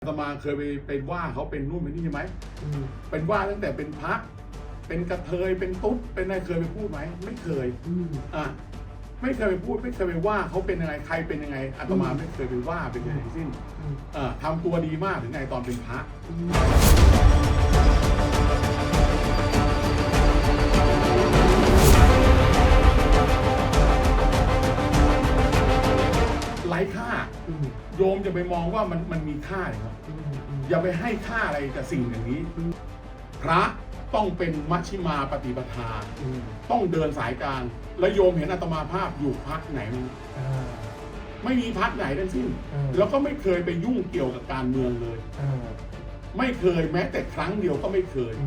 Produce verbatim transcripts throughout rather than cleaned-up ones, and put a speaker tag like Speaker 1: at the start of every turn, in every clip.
Speaker 1: อาตมาเคยไปไปว่าเขาเป็นนู่นเป็นนี่ใช่ไหมเป็นว่าตั้งแต่เป็นพระเป็นกระเทยเป็นตุ๊ดเป็นอะไรเคยไปพูดไหมไม่เคยอ่ะไม่เคยไปพูดไม่เคยไปว่าเขาเป็นยังไงใครเป็นยังไงอาตมาไม่เคยไปว่าเป็นอะไรทั้งสิ้นอ่าทำตัวดีมากถึงไงตอนเป็นพระไร้ค่าโยมจะไปมองว่ามันมันมีค่าเลยครับอย่าไปให้ค่าอะไรกับสิ่งอย่างนี้พระต้องเป็นมัชฌิมาปฏิปทาต้องเดินสายกลางแล้วโยมเห็นอาตมาภาพอยู่พรรคไหนมั้งไม่มีพรรคไหนทั้งสิ้นแล้วก็ไม่เคยไปยุ่งเกี่ยวกับการเมืองเลยไม่เคยแม้แต่ครั้งเดียวก็ไม่เคย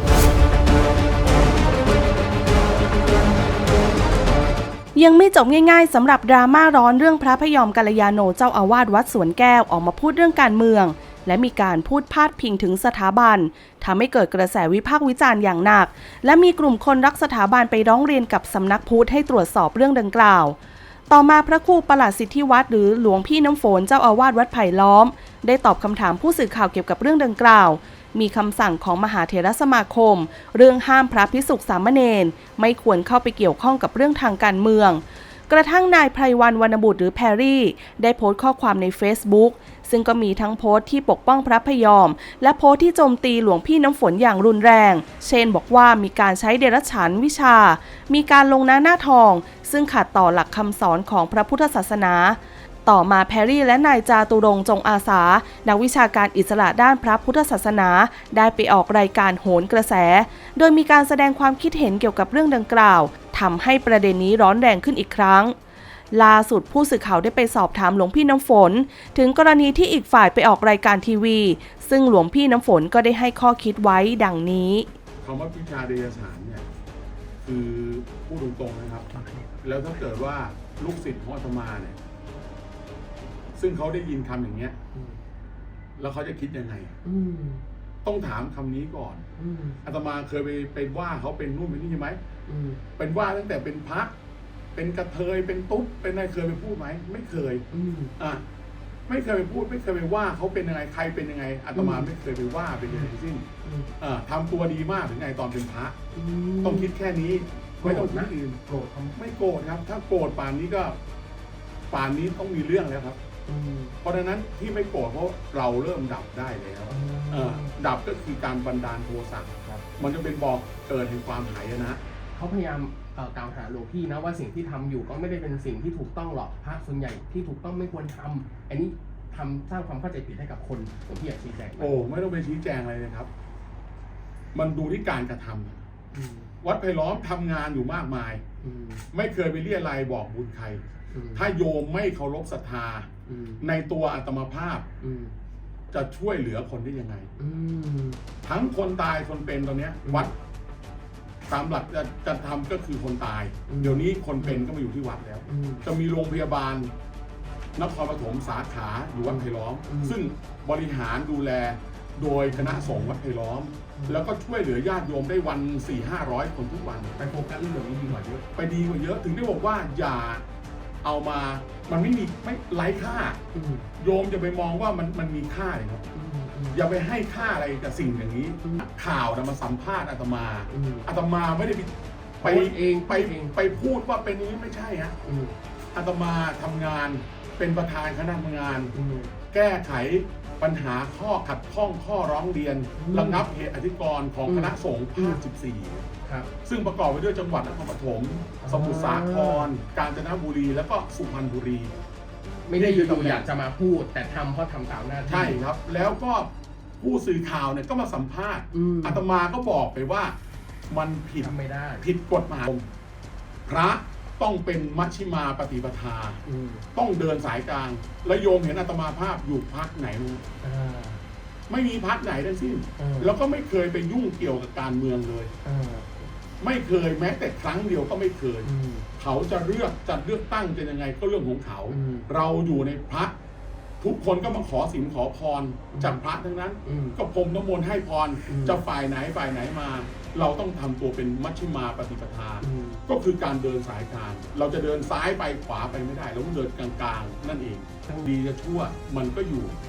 Speaker 2: ยังไม่จบง่ายๆสำหรับดราม่าร้อนเรื่องพระพยอมกัลยาโนเจ้าอาวาสวัดสวนแก้วออกมาพูดเรื่องการเมืองและมีการพูดพาดพิงถึงสถาบันทำให้เกิดกระแสวิพากษ์วิจารณ์อย่างหนักและมีกลุ่มคนรักสถาบันไปร้องเรียนกับสำนักพุทธให้ตรวจสอบเรื่องดังกล่าวต่อมาพระครูประหลัดสิทธิวัฒน์หรือหลวงพี่น้ำฝนเจ้าอาวาสวัดไผ่ล้อมได้ตอบคำถามผู้สื่อข่าวเกี่ยวกับเรื่องดังกล่าวมีคำสั่งของมหาเถรสมาคมเรื่องห้ามพระภิกษุสามเณรไม่ควรเข้าไปเกี่ยวข้องกับเรื่องทางการเมืองกระทั่งนายไพรวรรณวรรณบุตรหรือแพรรี่ได้โพสต์ข้อความใน Facebook ซึ่งก็มีทั้งโพสต์ที่ปกป้องพระพยอมและโพสต์ที่โจมตีหลวงพี่น้ำฝนอย่างรุนแรงเช่นบอกว่ามีการใช้เดรัจฉานวิชามีการลงหน้าหน้าทองซึ่งขัดต่อหลักคำสอนของพระพุทธศาสนาต่อมาแพรรี่และนายจาตุรงค์จงอาสานักวิชาการอิสระด้านพระพุทธศาสนาได้ไปออกรายการโหนกระแสโดยมีการแสดงความคิดเห็นเกี่ยวกับเรื่องดังกล่าวทำให้ประเด็นนี้ร้อนแรงขึ้นอีกครั้งล่าสุดผู้สื่อข่าวได้ไปสอบถามหลวงพี่น้ำฝนถึงกรณีที่อีกฝ่ายไปออกรายการทีวีซึ่งหลวงพี่น้ำฝนก็ได้ให้ข้อคิดไว้ดังนี้
Speaker 1: คำว่าวิชาเดรัจฉานเนี่ยคือพูดตรงๆนะครับแล้วถ้าเกิดว่าลูกศิษย์ของอาตมาเนี่ยซึ่งเขาได้ยินคำอย่างเงี้ยแล้วเขาจะคิดยังไงต้องถามคำนี้ก่อนอาตมาเคยไปไปว่าเขาเป็นนู่นเป็นนี่ใช่ไหมเป็นว่าตั้งแต่เป็นพระเป็นกระเทยเป็นตุ๊ดเป็นอะไรเคยไปพูดไหมไม่เคยอ่ะไม่เคยไปพูดไม่เคยไปว่าเขาเป็นยังไงใครเป็นยังไงอาตมาไม่เคยไปว่าเป็นอะไรทั้งสิ้นอ่าทำตัวดีมากถึงไงตอนเป็นพระต้องคิดแค่นี้ไม่ต้องคิดอื่นโกรธไม่โกรธครับถ้าโกรธป่านนี้ก็ป่านนี้ต้องมีเรื่องแล้วครับเพราะฉะนั้นที่ไม่โกรธเพราะเราเริ่มดับได้แล้วดับก็คือการบันดาลโทสะมันจะเป็นบอกเกิดแห่งความหายนะ
Speaker 3: เขาพยายามกล่าวหาหลวงพี่นะว่าสิ่งที่ทำอยู่ก็ไม่ได้เป็นสิ่งที่ถูกต้องหรอกพระส่วนใหญ่ที่ถูกต้องไม่ควรทำอันนี้ทำสร้างความเข้าใจผิดให้กับคนหลวงพี่อยากชี้แจง
Speaker 1: โอ้ไม่ต้องไปชี้แจงอะไรเลยครับมันดูที่การกระทำวัดไผ่ล้อมทำงานอยู่มากมายไม่เคยไปเรียอะไรบอกบุญใครถ้าโยมไม่เคารพศรัทธาในตัวอาตมาภาพจะช่วยเหลือคนได้ยังไงทั้งคนตายคนเป็นตอนนี้วัดตามหลักจะจะทำก็คือคนตายเดี๋ยวนี้คนเป็นก็มาอยู่ที่วัดแล้วจะมีโรงพยาบาลนครปฐมสาขาอยู่วัดไผ่ล้อมซึ่งบริหารดูแลโดยคณะสงฆ์วัดไผ่ล้อมแล้วก็ช่วยเหลือญาติโยมได้วันสี่ห้าร้อยคนทุกวัน
Speaker 3: ไปโฟกัสเรื่องนี้ดีกว่าเยอะ
Speaker 1: ไปดีกว่าเยอะถึงได้บอกว่าอย่าเอามามันไม่มีไม่ไร้ค่าโยมจะไปมองว่ามันมันมีค่าเลยครับอย่าไปให้ค่าอะไรกับสิ่งอย่างนี้ข่าวนะมาสัมภาษณ์อาตมาอาตมาไม่ได้ไปเองไปไปพูดว่าเป็นนี้ไม่ใช่ฮะอาตมาทำงานเป็นประธานคณะทำงานแก้ไขปัญหาข้อขัดข้องข้อร้องเรียนระงับเหตุอธิกรณ์ของคณะสงฆ์ภาคสิบสี่ซึ่งประกอบไปด้วยจังหวัดนครปฐมสมุทรสาครกาญจนบุรีแล้วก็สุพรรณบุรี
Speaker 3: ไม่ได้อยู่อยากจะมาพูดแต่ทำเพราะทำตามหน้าที่
Speaker 1: ใช่ครับแล้วก็ผู้สื่อข่าวเนี่ยก็มาสัมภาษณ์อาตมาก็บอกไปว่ามันผิด
Speaker 3: ไม่ได้
Speaker 1: ผิดกฎหมายพระต้องเป็นมัชฌิมาปฏิปทาต้องเดินสายกลางและโยมเห็นอาตมาภาพอยู่พรรคไหนมั้งไม่มีพรรคไหนทั้งสิ้นแล้วก็ไม่เคยไปยุ่งเกี่ยวกับการเมืองเลยไม่เคยแม้แต่ครั้งเดียวก็ไม่เคยเขาจะเลือกจัดเลือกตั้งเป็นยังไงก็เรื่องของเขาเราอยู่ในพระทุกคนก็มาขอศีลขอพรจากพระทั้งนั้นก็พรมน้ำมนต์ให้พรจะฝ่ายไหนฝ่ายไหนมาเราต้องทำตัวเป็นมัชฌิมาปฏิปทาก็คือการเดินสายกลางเราจะเดินซ้ายไปขวาไปไม่ได้เราต้องเดินกลางๆนั่นเองดีจะชั่วมันก็อยู่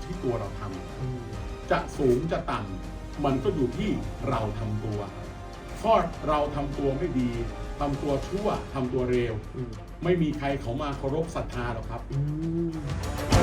Speaker 1: ที่ตัวเราท
Speaker 3: อืม
Speaker 1: ำจะสูงจะต่ำมันก็อยู่ที่เราทำตัวถ้าเราทำตัวไม่ดีทำตัวชั่วทำตัวเร็ว
Speaker 3: อืม
Speaker 1: ไม่มีใครเขามาเคารพศรัทธาหรอกครับ
Speaker 3: อืม